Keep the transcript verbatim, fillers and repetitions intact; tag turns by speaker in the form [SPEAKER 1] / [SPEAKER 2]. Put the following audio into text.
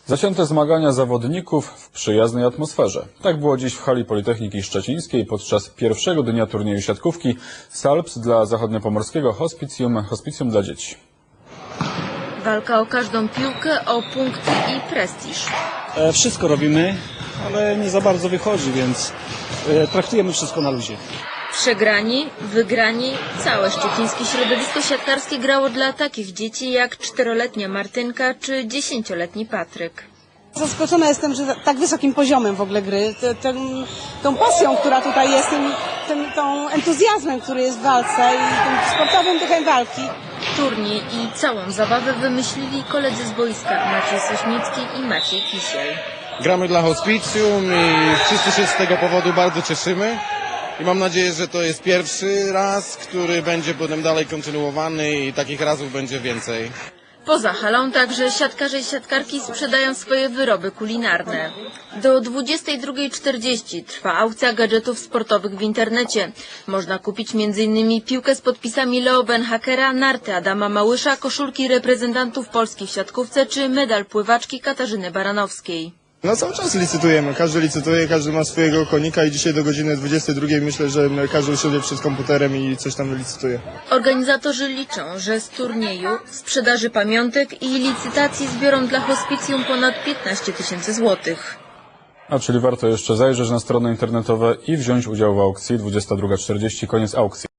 [SPEAKER 1] Zacięte zmagania zawodników w przyjaznej atmosferze. Tak było dziś w hali Politechniki Szczecińskiej podczas pierwszego dnia turnieju siatkówki Salps dla Zachodniopomorskiego Hospicjum, Hospicjum dla dzieci.
[SPEAKER 2] Walka o każdą piłkę, o punkty i prestiż.
[SPEAKER 3] E, wszystko robimy, ale nie za bardzo wychodzi, więc e, traktujemy wszystko na luzie.
[SPEAKER 2] Przegrani, wygrani, całe szczecińskie środowisko siatkarskie grało dla takich dzieci jak czteroletnia Martynka czy dziesięcioletni Patryk.
[SPEAKER 4] Zaskoczona jestem, że tak wysokim poziomem w ogóle gry, te, ten, tą pasją, która tutaj jest, tym, tym, tą entuzjazmem, który jest w walce i tym sportowym duchem walki.
[SPEAKER 2] Turniej i całą zabawę wymyślili koledzy z boiska Maciej Sośnicki i Maciej Kisiel.
[SPEAKER 5] Gramy dla hospicjum i wszyscy się z tego powodu bardzo cieszymy. I mam nadzieję, że to jest pierwszy raz, który będzie potem dalej kontynuowany i takich razów będzie więcej.
[SPEAKER 2] Poza halą także siatkarze i siatkarki sprzedają swoje wyroby kulinarne. Do dwudziestej drugiej czterdzieści trwa aukcja gadżetów sportowych w internecie. Można kupić między innymi piłkę z podpisami Leo Benhakera, narty Adama Małysza, koszulki reprezentantów Polski w siatkówce czy medal pływaczki Katarzyny Baranowskiej.
[SPEAKER 6] No cały czas licytujemy, każdy licytuje, każdy ma swojego konika i dzisiaj do godziny dwudziestej drugiej myślę, że każdy usiądzie przed komputerem i coś tam licytuje.
[SPEAKER 2] Organizatorzy liczą, że z turnieju, sprzedaży pamiątek i licytacji zbiorą dla hospicjum ponad piętnaście tysięcy złotych.
[SPEAKER 1] A czyli warto jeszcze zajrzeć na strony internetowe i wziąć udział w aukcji. dwudziesta druga czterdzieści, koniec aukcji.